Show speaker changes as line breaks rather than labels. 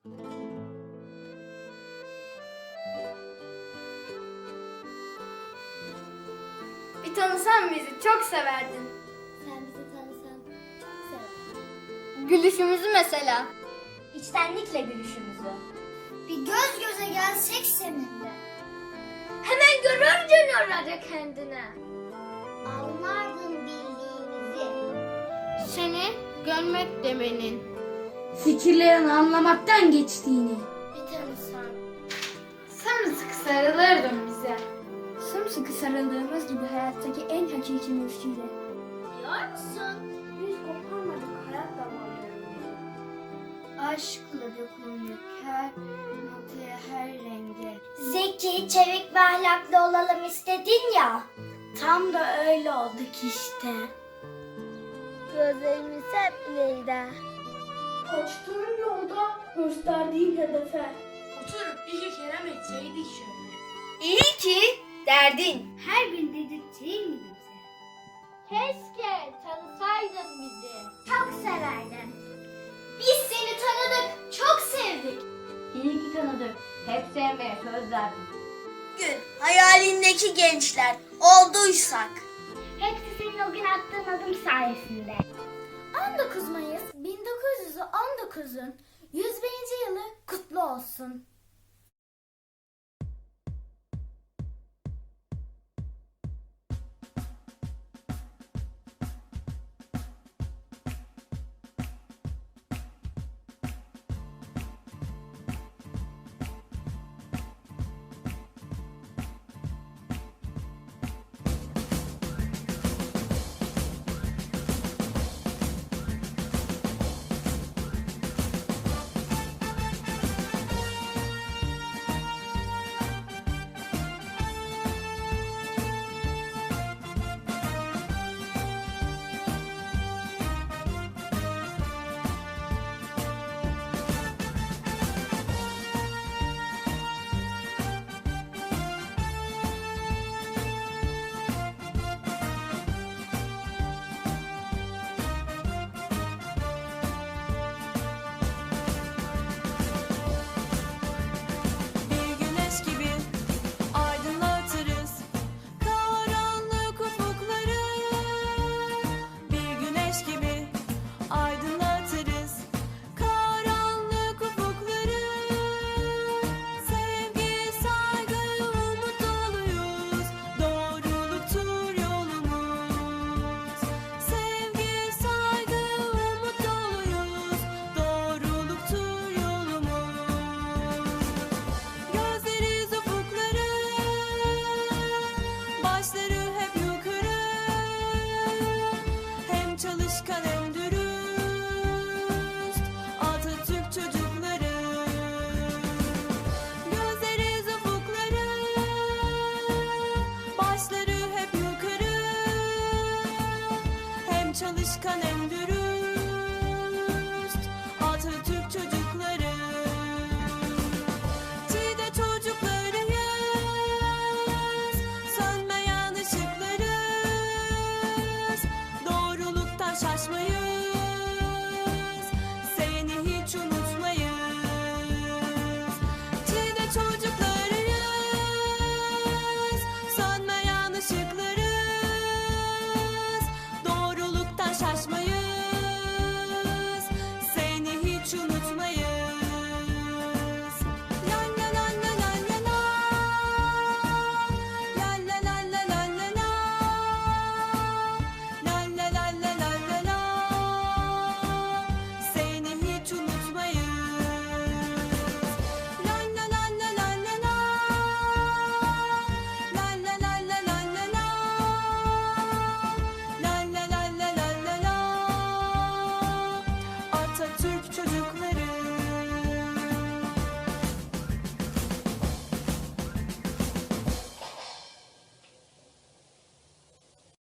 Bir tanısan bizi çok severdin.
Sen bizi tanısan çok severdim.
Gülüşümüzü mesela.
İçtenlikle gülüşümüzü. Bir göz göze gelsek seninle.
Hemen görürdün orada kendine.
Anlardın bildiğimizi.
Seni görmek demenin.
Fikirlerini anlamaktan geçtiğini.
Bir tanısan.
Sımsıkı sarılırdın bize. Sımsıkı sarıldığımız gibi hayattaki en hakiki müşküyle.
Biliyor musun?
Biz koparmadık hayat damarlarını. Aşkla dokunmak her noktaya, her renge.
Zeki, çevik ve ahlaklı olalım istedin ya.
Tam da öyle olduk işte.
Gözlerimiz hep ileride.
Açtığın yolda gösterdiğin hedefe. Oturup iki kelam etseydik şöyle. İyi ki derdin.
Her gün dedirttiğin gibi bize.
Keşke tanısaydın bizi.
Çok severdim. Biz seni tanıdık, çok sevdik.
İyi ki tanıdık. Hep sevmeye söz verdik.
Gün hayalindeki gençler olduysak.
Hepsi senin o gün attığın adım sayesinde. 19 Mayıs 1919'un 101. yılı kutlu olsun.
Bir güneş gibi aydınlatırız karanlık ufukları. Bir güneş gibi aydınlatırız karanlık ufukları. Sevgi, saygı, umut doluyuz, doğruluktur yolumuz. Sevgi, saygı, umut doluyuz, doğruluktur yolumuz. Gözleriz ufukları, başları hep yukarı. Hem çalışkan hem dürüst, Atatürk çocukları. Gözleriz ufukları, başları hep yukarı. Hem çalışkan hem dürüst, Atatürk çocukları. Cide çocuklarıyız, sönmeyen ışıklarız. Doğruluktan şaşmayız, seni hiç unutmayız. Cide çocuklarıyız, sönmeyen ışıklarız. Doğruluktan şaşmayız,